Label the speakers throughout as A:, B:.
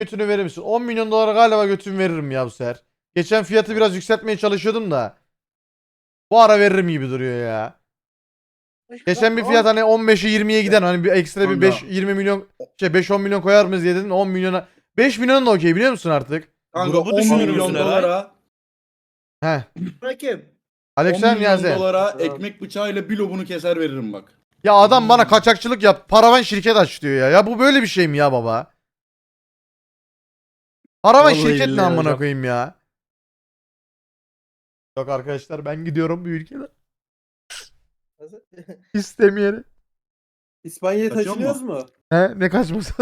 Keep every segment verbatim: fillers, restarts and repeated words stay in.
A: Götünü verir misin? on milyon dolara galiba götümü veririm ya bu sefer. Geçen fiyatı biraz yükseltmeye çalışıyordum da. Bu ara veririm gibi duruyor ya. Geçen bir fiyat hani on beşe yirmiye giden hani bir ekstra bir beş
B: Kanka.
A: yirmi milyon şey beş on milyon koyar mıyız diye dedim on milyona. beş milyon da okey biliyor musun artık?
B: Kanka
C: Grubu
B: on
C: düşünür
B: milyon
C: müsün Eray?
B: dolara
A: He.
D: Rakim.
B: on
A: Aleksem
B: milyon
A: Niyazi.
B: dolara ekmek bıçağıyla bir lobunu keser veririm bak.
A: Ya adam bana kaçakçılık yap. Paravan şirket aç diyor ya. Ya bu böyle bir şey mi ya baba? Paravan
C: Vallahi
A: şirket ne
C: billahi
A: amına
C: hocam.
A: koyayım ya? Yok arkadaşlar ben gidiyorum bu ülkeden.
D: Nasıl?
A: İstemeyerek.
D: İspanya'ya
B: Kaçıyor
D: taşınıyoruz mu?
A: He ne kaçması?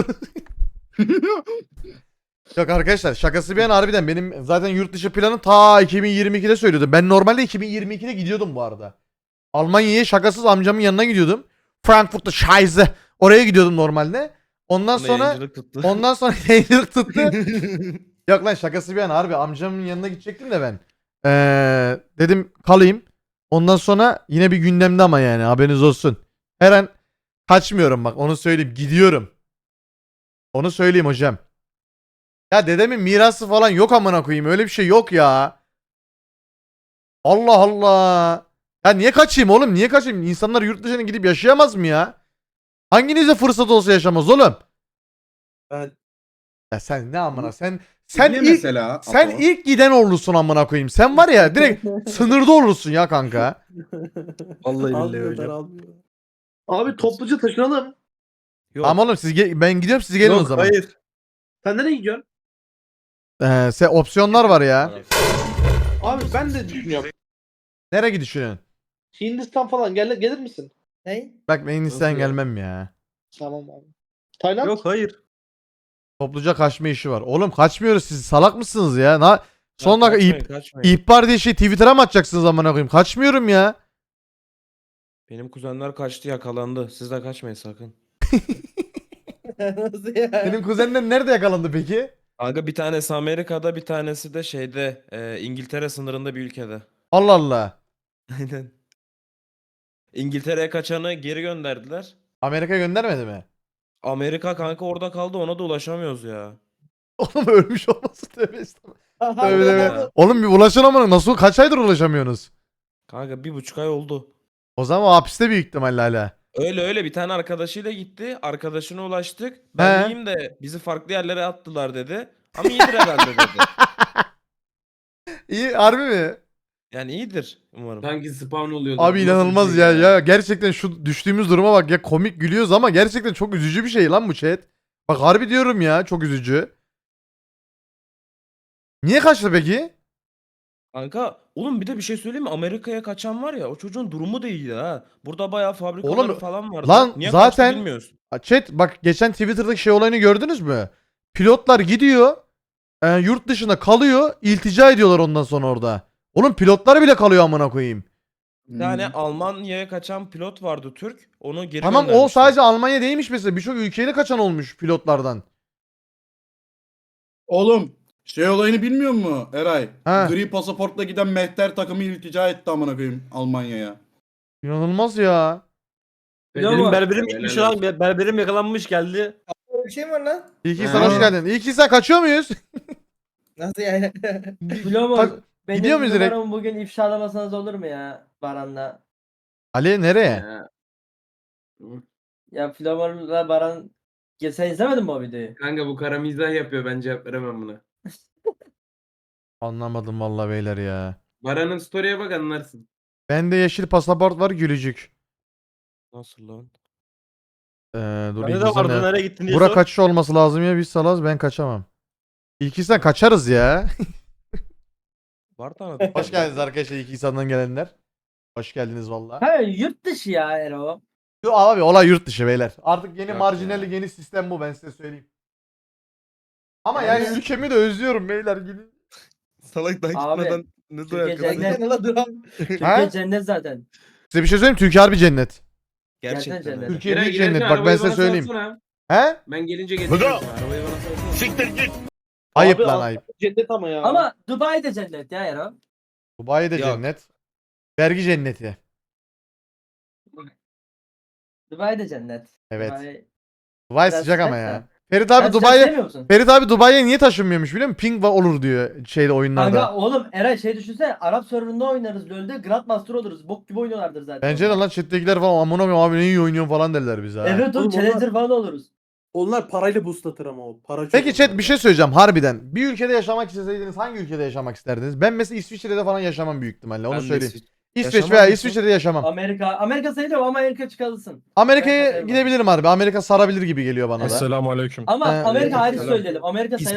A: Yok arkadaşlar şakası bir yana harbiden benim zaten yurt dışı planı ta iki bin yirmi ikide söylüyordum. Ben normalde iki bin yirmi ikide gidiyordum bu arada. Almanya'ya şakasız amcamın yanına gidiyordum. Frankfurt'ta Scheiße. Oraya gidiyordum normalde. Ondan
C: Buna
A: sonra
C: yayıncılık tuttu.
A: ondan sonra yayıncılık tuttu. Yok lan şakası bir yana harbi amcamın yanına gidecektim de ben. Ee, dedim kalayım. Ondan sonra yine bir gündemde ama yani haberiniz olsun. Her an kaçmıyorum bak onu söyleyeyim gidiyorum. Onu söyleyeyim hocam. Ya dedemin mirası falan yok amına koyayım öyle bir şey yok ya. Allah Allah. Ya niye kaçayım oğlum niye kaçayım? İnsanlar yurt dışına gidip yaşayamaz mı ya? Hanginize fırsat olsa yaşamaz oğlum?
D: Ben
A: Ya sen ne amına sen sen
B: Niye
A: ilk
B: mesela?
A: sen
B: Apo?
A: ilk giden olursun amına koyayım. Sen var ya direkt sınırda olursun ya kanka.
C: Vallahi billahi
D: almıyorlar
C: hocam.
D: almıyorlar. Abi topluca taşınalım.
C: Yok.
A: Tamam oğlum siz ge- ben gidiyorum siz gelin o
C: Yok
A: zaman.
C: hayır.
D: Sen nereye gidiyorsun?
A: Ee, se- opsiyonlar var ya.
D: Abi ben de düşünüyorum.
A: Nereye gidiyorsun?
D: Hindistan falan gel gelir misin? Ne?
A: Bak ben Hindistan
C: Nasıl ya?
A: gelmem ya.
D: Tamam abi. Tayland?
C: Yok hayır.
A: Topluca kaçma işi var. Oğlum kaçmıyoruz siz salak mısınız ya? Na son
C: Ya
A: dakika
C: kaçmayın,
A: ihb-
C: kaçmayın.
A: ihbar diye şey Twitter'a mı atacaksınız amına koyayım? Kaçmıyorum ya.
C: Benim kuzenler kaçtı yakalandı. Siz de kaçmayın sakın.
D: Nasıl ya?
A: Senin kuzenler nerede yakalandı peki?
C: Kanka bir tanesi Amerika'da bir tanesi de şeyde e, İngiltere sınırında bir ülkede.
A: Allah Allah.
C: Aynen. İngiltere'ye kaçanı geri gönderdiler.
A: Amerika göndermedi mi?
C: Amerika kanka orada kaldı ona da ulaşamıyoruz ya.
A: Oğlum ölmüş olması tövbe estağfurullah. Tövbe
D: Harbiden
A: tövbe.
D: abi.
A: Oğlum bir ulaşın amına nasıl kaç aydır ulaşamıyorsunuz?
C: Kanka bir buçuk ay oldu.
A: O zaman o hapiste büyük ihtimalle hala.
C: Öyle öyle bir tane arkadaşıyla gitti. Arkadaşına ulaştık. Ben
A: He.
C: iyiyim de bizi farklı yerlere attılar dedi. Ama iyidir herhalde dedi.
A: İyi harbi mi?
C: Yani iyidir umarım.
E: Sanki spawn oluyordu.
A: Abi
E: Nasıl bir
A: inanılmaz
E: şey
A: ya. Ya gerçekten şu düştüğümüz duruma bak ya komik gülüyoruz ama gerçekten çok üzücü bir şey lan bu chat. Bak harbi diyorum ya çok üzücü. Niye kaçtı peki?
C: Kanka oğlum bir de bir şey söyleyeyim mi? Amerika'ya kaçan var ya o çocuğun durumu da iyiydi ha. Burada bayağı fabrikaları
A: Oğlum,
C: falan vardı.
A: lan
C: Niye
A: zaten-
C: kaçtı bilmiyoruz.
A: Ha, chat bak geçen Twitter'daki şey olayını gördünüz mü? Pilotlar gidiyor. e, yurt dışında kalıyor. İltica ediyorlar ondan sonra orada. Oğlum pilotlar bile kalıyor amına koyayım.
C: Bir tane Almanya'ya kaçan pilot vardı Türk. Onu geri
A: Tamam o
C: göndermişler.
A: sadece Almanya değilmiş mesela. Birçok ülkeyle kaçan olmuş pilotlardan.
B: Oğlum şey olayını bilmiyor musun Eray?
A: Ha.
B: Gri pasaportla giden mehter takımı iltica etti amına koyayım Almanya'ya.
A: İnanılmaz ya.
E: Benim
F: berberim
E: Helal
F: gitmiş lan. Berberim yakalanmış geldi.
D: Böyle bir şey mi var lan?
A: İlk
F: Ha.
A: insan hoş geldin. İlk insan kaçıyor muyuz?
D: Nasıl yani?
F: Biliyor
A: Tak-
F: musun? Benim
A: gidiyor muyuz direkt?
F: numaramı bugün ifşalamasanız olur mu ya Baran'la?
A: Ali nereye?
E: Ya.
F: Ya Flavor'la Baran... Ya sen izlemedin mi o videoyu?
E: Kanka bu kara mizah yapıyor ben cevap veremem buna.
A: Anlamadım vallahi beyler ya.
E: Baran'ın story'e bak anlarsın.
A: Bende yeşil pasaport var gülücük.
C: Nasıl lan?
A: Ee, dur
F: Bende
A: ilk
F: de
A: insan
F: vardı
A: ne-
F: nereye gittin diye
A: Bura
F: sor.
A: kaçış olması lazım ya biz salaz ben kaçamam. İlk insan kaçarız ya.
C: Var tanıdık.
A: Hoş geldiniz arkadaşlar ilk insandan gelenler. Hoş geldiniz valla.
F: Ha yurt dışı ya Ero.
A: Yo abi olay yurt dışı beyler. Artık yeni
C: Yok
A: marjinalli
C: ya.
A: yeni sistem bu ben size söyleyeyim. Ama
F: Yani-
A: yani ülkemi de özlüyorum beyler gidin.
C: Salak daha
F: Abi,
C: gitmeden ne
F: Türkiye
C: dayak
F: cennet.
C: yedin?
D: Ne lan dur abi.
F: Türkiye
A: Ha?
F: cennet zaten.
A: Size bir şey söyleyeyim Türkiye harbi cennet.
F: Gerçekten
C: Gerçekten.
F: cennet.
A: Türkiye
E: Eray,
A: büyük
E: girerken
A: cennet bak ben
E: arabayı
A: size
E: bana
A: söyleyeyim.
E: salsana.
A: He?
E: Ben gelince getiririm sana. Arabayı bana salsana.
A: Ayıp
D: Abi,
A: lan
D: a-
A: ayıp.
D: Cennet ama ya.
F: Ama Dubai de cennet ya Ero.
A: Dubai de
C: Yok.
A: cennet. Vergi cenneti.
F: Dubai de cennet.
A: Evet.
F: Dubai
A: Dubai
F: biraz
A: sıcak ama
F: sıcak
A: ya.
F: da.
A: Ferit abi
F: Sen
A: Dubai'ye
F: sevmiyor musun?
A: Ferit abi Dubai'ye niye taşınmıyormuş biliyor musun? Ping va- olur diyor şeyde oyunlarda.
F: Kanka oğlum Eray şey düşünsene Arap serverında oynarız LoL'de Grandmaster oluruz. Bok gibi oynuyorlardır zaten.
A: Bence de lan chat'tekiler falan amına koyayım abi ne iyi oynuyorsun falan derler bize ha.
F: Evet oğlum
G: Oğlum
F: Challenger
G: onlar-
F: falan oluruz.
G: Onlar parayla boostlatır ama o. Para çok
A: Peki chat
G: onlarda.
A: bir şey söyleyeceğim harbiden. Bir ülkede yaşamak isteseydiniz hangi ülkede yaşamak isterdiniz? Ben mesela İsviçre'de falan yaşamam büyük ihtimalle onu
C: Ben de
A: söyleyeyim.
C: İsviç-
A: İsveç
C: Yaşamam
A: veya
C: mısın?
A: İsviçre'de yaşamam.
F: Amerika. Amerika sayılıyor ama Amerika çıkarılsın.
A: Amerika'ya
F: Ben de
A: gidebilirim harbi. Amerika sarabilir gibi geliyor bana da.
H: Esselamu aleyküm.
F: Ama
A: Ee,
F: Amerika hariç
C: Selam.
F: söyleyelim. Amerika sayılır.